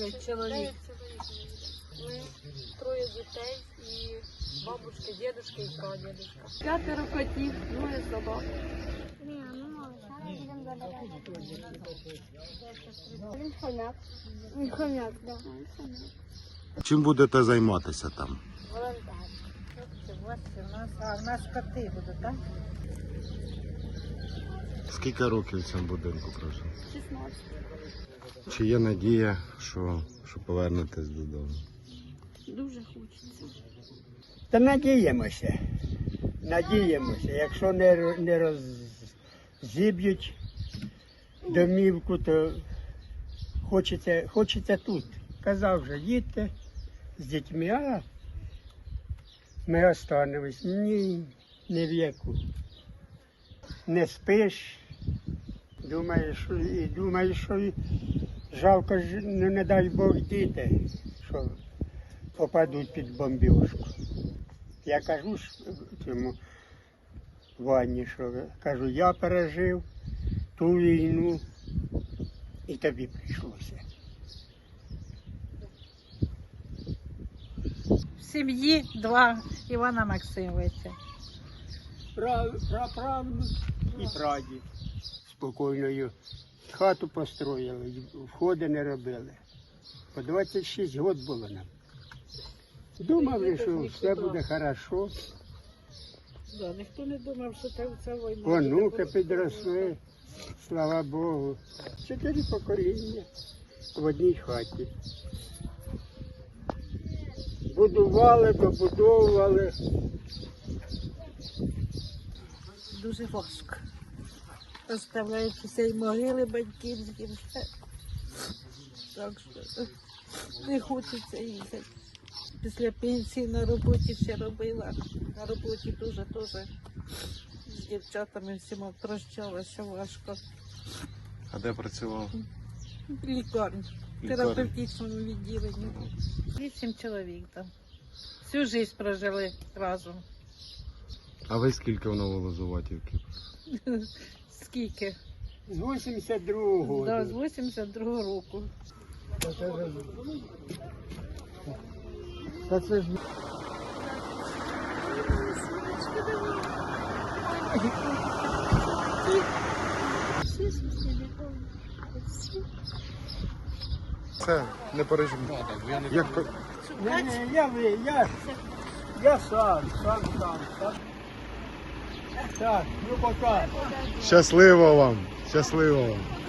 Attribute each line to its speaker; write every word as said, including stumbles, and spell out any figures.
Speaker 1: Дев'ять чоловік. Ми троє дітей і бабушка, дідушка і прадідушка. П'ятеро котів, двоє собак.
Speaker 2: Він хомяк. Він хомяк, так.
Speaker 3: Чим будете займатися там?
Speaker 2: Волонтер.
Speaker 4: У нас, а, у нас коти будуть, так?
Speaker 3: Скільки років в цьому будинку прожив?
Speaker 2: шістнадцять.
Speaker 3: Чи є надія, що, що повернетесь додому?
Speaker 2: Дуже хочеться.
Speaker 5: Та надіємося. Надіємося. Якщо не, ро- не роззіб'ють домівку, то хочеться, хочеться тут. Казав вже, їдьте з дітьми, а ми останемось. Ні, не в яку. Не спиш, думаєш, що- і думаєш, що і жалко ж, ну не дай Бог діти, що попадуть під бомбіжку. Я кажу ж цьому Вані, що кажу, я пережив ту війну і тобі прийшлося.
Speaker 4: В сім'ї два Івана Максимовича.
Speaker 5: Праправнук і прадід. Спокійною хату построїли, входи не робили. По двадцять шість років було нам. Думали, що все буде добре.
Speaker 4: Да, ніхто не думав, що це ця війна.
Speaker 5: Онуки підросли, слава Богу. Чотири покоління в одній хаті. Будували, добудовували.
Speaker 4: Дуже важко. Оставляючи цієї могили батьківські. все. Так що не хочеться їхати. Після пенсії на роботі ще робила. На роботі дуже теж з дівчатами всіма прощалася важко.
Speaker 3: А де працював?
Speaker 4: В лікарні, в
Speaker 3: Лікарні.
Speaker 4: терапевтичному відділенні. Вісім чоловік там. Всю життя прожили разом.
Speaker 3: А ви скільки в Новолозуватівці?
Speaker 4: Скільки?
Speaker 5: З вісімдесят другого
Speaker 4: Да, з
Speaker 5: року.
Speaker 4: вісімдесят другого року.
Speaker 5: Та це ж
Speaker 3: Це не переживай. Як по-
Speaker 5: Ні, ні, я, ви- я, я сам, сам, сам, сам. Так, ну пока.
Speaker 3: Щасливо вам! Щасливо вам!